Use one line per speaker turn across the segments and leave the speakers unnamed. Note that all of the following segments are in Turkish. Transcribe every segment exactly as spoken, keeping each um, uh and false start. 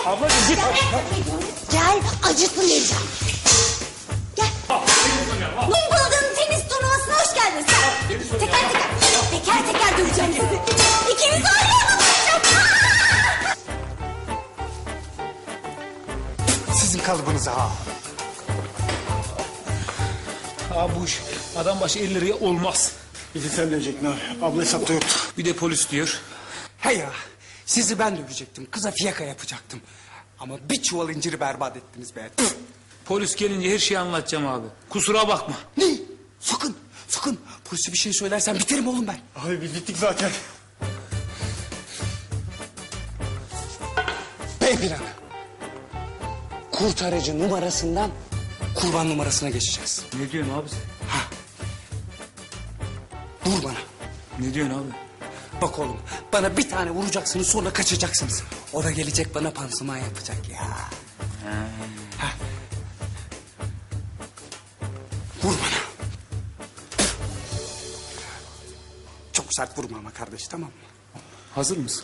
Ablacığım git.
Gel acıtın vereceğim. Gel. Wimbledon tenis turnuvasına hoş geldiniz. Teker teker. Teker teker döveceğim sizi. İkinizi aynı anda döveceğim.
Sizin kalıbınıza ha. Abi bu iş adam başı elli liraya olmaz.
Bizi sen dövecek ne? Abla hesapta yoktu.
Bir de polis diyor.
He ya, sizi ben dövecektim, kıza fiyaka yapacaktım. Ama bir çuval inciri berbat ettiniz be. Püf!
Polis gelince her şeyi anlatacağım abi. Kusura bakma.
Ne? Sakın, sakın. Polise bir şey söylersen biterim oğlum ben.
Abi biz bittik zaten.
B planı. Kurtarıcı numarasından kurban numarasına geçeceğiz.
Ne diyorsun abi sen?
Vur bana.
Ne diyorsun abi?
Bak oğlum, bana bir tane vuracaksınız sonra kaçacaksınız. O da gelecek bana pansuman yapacak ya. Ha. Vur bana. Çok sert vurma ama kardeş, tamam mı?
Hazır mısın?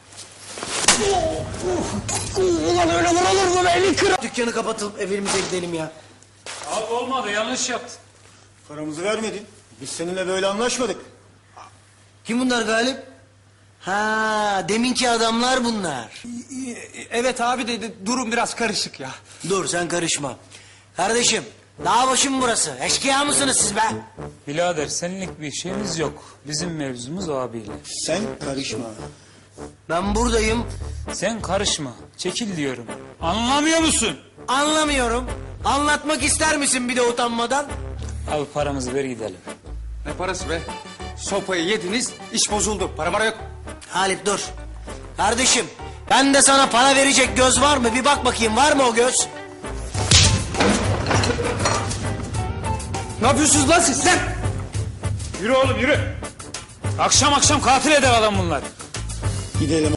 Ulan öyle vurulur mu beni kır?
Dükkanı kapatıp evimize gidelim ya.
Abi olmadı, yanlış yaptın.
Paramızı vermedin. Biz seninle böyle anlaşmadık.
Kim bunlar Galip? Ha, deminki adamlar bunlar.
Evet abi dedi, durum biraz karışık ya.
Dur sen karışma. Kardeşim, dağ başı mı burası? Eşkıya mısınız siz be?
Birader seninlik bir şeyimiz yok. Bizim mevzumuz o abiyle.
Sen karışma.
Ben buradayım,
Sen karışma. Çekil diyorum. Anlamıyor musun?
anlamıyorum. Anlatmak ister misin bir de utanmadan?
Abi paramızı ver gidelim.
Ne parası be? Sopayı yediniz, iş bozuldu. Para mara yok.
Halit dur. Kardeşim, ben de sana para verecek göz var mı? Bir bak bakayım, var mı o göz?
Ne yapıyorsunuz lan siz lan?
Yürü oğlum yürü. Akşam akşam katil eder adam bunlar.
Gidelim.